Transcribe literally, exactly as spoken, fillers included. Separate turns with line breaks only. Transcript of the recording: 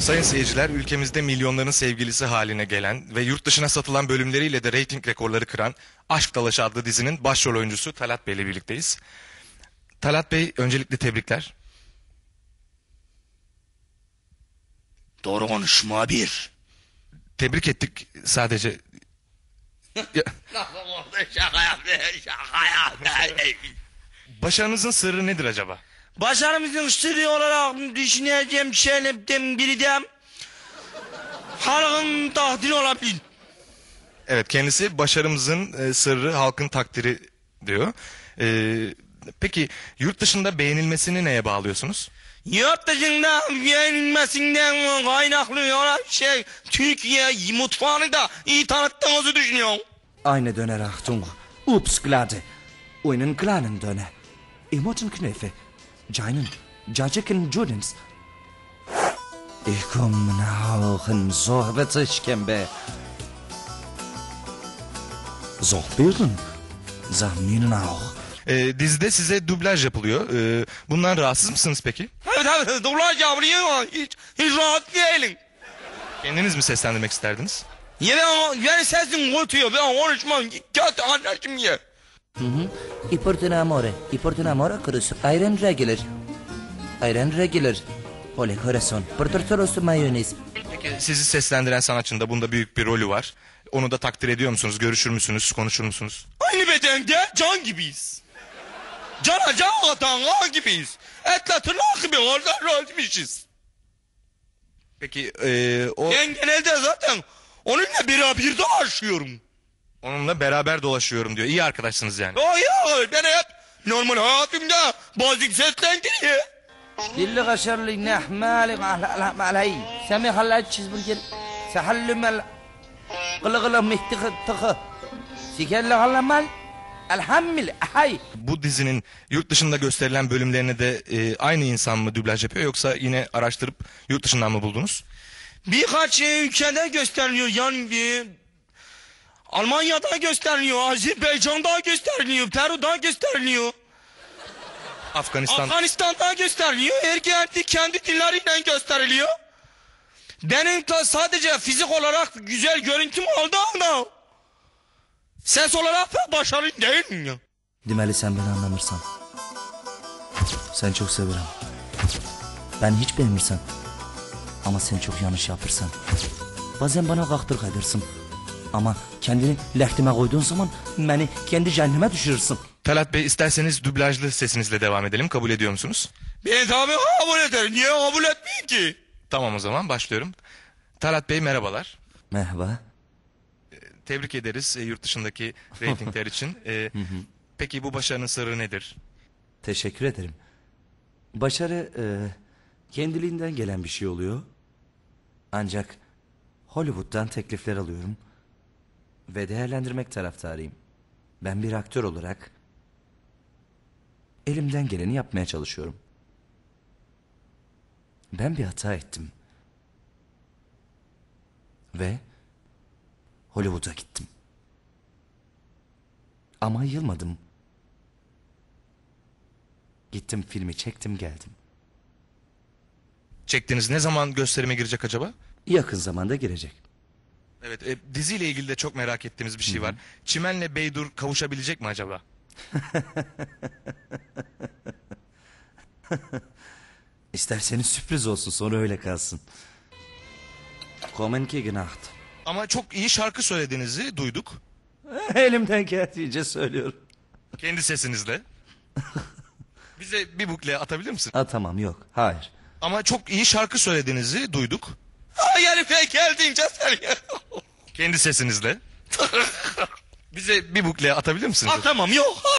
Sayın seyirciler, ülkemizde milyonların sevgilisi haline gelen ve yurt dışına satılan bölümleriyle de reyting rekorları kıran Aşk Dalaşı adlı dizinin başrol oyuncusu Talat Bey ile birlikteyiz. Talat Bey, öncelikle tebrikler.
Doğru konuş muhabir.
Tebrik ettik sadece.
Şaka yaptı, şaka yaptı.
Başarınızın sırrı nedir acaba?
Başarımızın sırrı olarak düşüneceğim şeylerden biri de halkın takdiri olabilir.
Evet, kendisi başarımızın e, sırrı halkın takdiri diyor. E, peki yurt dışında beğenilmesini neye bağlıyorsunuz?
Yurt dışında beğenilmesinden kaynaklı olan şey Türkiye mutfağını da iyi tanıttığınızı düşünüyorum.
Eine Döner Achtung. Ups, glade. Einen kleinen Döner. Emoten Knöfe. Jeinen. Jajiken Judens. Ich komme nach Sorbetischken be. Sohbirden. Zahminen auch.
E, dizide size dublaj yapılıyor. E, bundan rahatsız mısınız peki?
Evet evet, dublaj yapılıyor ama hiç, hiç rahat değilim.
Kendiniz mi seslendirmek isterdiniz?
Ya ben, ben sesim kötü, ben konuşmam kötü anlaşım ya.
Hı hı. I porten amore. I porten amore krus. Ayran regular. Ayran regular. Ole corazon. Porter toros mayonez.
Peki sizi seslendiren sanatçının da bunda büyük bir rolü var. Onu da takdir ediyor musunuz? Görüşür müsünüz? Konuşur musunuz?
Aynı bedende can gibiyiz. Cana can atan kan gibiyiz. Etle tırnak gibi orada rolmüşüz.
Peki e, o
Ben genelde zaten onunla beraber dolaşıyorum.
onunla beraber dolaşıyorum diyor. İyi arkadaşsınız yani.
O ya ben hep normal hayatımda bazı seslendiriyor.
Dilli kaşarlı nehmali malay. Semi halay çizburger. Sehallü mel. Gılı gılı mihti tıkı. Sikerli halamal. Elhammil hay.
Bu dizinin yurt dışında gösterilen bölümlerine de e, aynı insan mı dublaj yapıyor, yoksa yine araştırıp yurt dışından mı buldunuz?
Birkaç ülkede gösteriliyor yani bir Almanya'da gösteriliyor, Azerbaycan'da gösteriliyor, Peru'da gösteriliyor,
Afganistan.
Afganistan'da gösteriliyor, her kendi kendi dilleriyle gösteriliyor. Benim de sadece fizik olarak güzel görüntüm oldu ama ses olarak da başarılı değilim ya.
Demeli sen beni anlamırsan. Sen çok severim. Ben hiç beğenmirsen. Ama sen çok yanlış yapırsan. Bazen bana kaktır kaydırsın. Ama kendini lehtime koyduğun zaman beni kendi cehenneme düşürürsün.
Talat Bey, isterseniz dublajlı sesinizle devam edelim. Kabul ediyor musunuz?
Ben tabii kabul ederim. Niye kabul etmeyeyim ki?
Tamam, o zaman başlıyorum. Talat Bey, merhabalar.
Merhaba.
Tebrik ederiz e, yurt dışındaki reytingler için. E, peki bu başarının sırrı nedir?
Teşekkür ederim. Başarı e, kendiliğinden gelen bir şey oluyor. Ancak Hollywood'dan teklifler alıyorum. Ve değerlendirmek taraftarıyım. Ben bir aktör olarak elimden geleni yapmaya çalışıyorum. Ben bir hata ettim. Ve Hollywood'a gittim. Ama yılmadım. Gittim, filmi çektim, geldim.
Çektiğiniz ne zaman gösterime girecek acaba?
Yakın zamanda girecek.
Evet, e, diziyle ilgili de çok merak ettiğimiz bir şey var. Çimen'le Beydur kavuşabilecek mi acaba?
İsterseniz sürpriz olsun, sonra öyle kalsın. Kommen gegen Nacht.
Ama çok iyi şarkı söylediğinizi duyduk.
Elimden geldiğince söylüyorum.
Kendi sesinizle. Bize bir bukle atabilir misin?
Ha tamam, yok, hayır.
Ama çok iyi şarkı söylediğinizi duyduk.
Hayır pek geldiğince söylüyorum.
Kendi sesinizle. Bize bir bukle atabilir misiniz?
Ha tamam yok.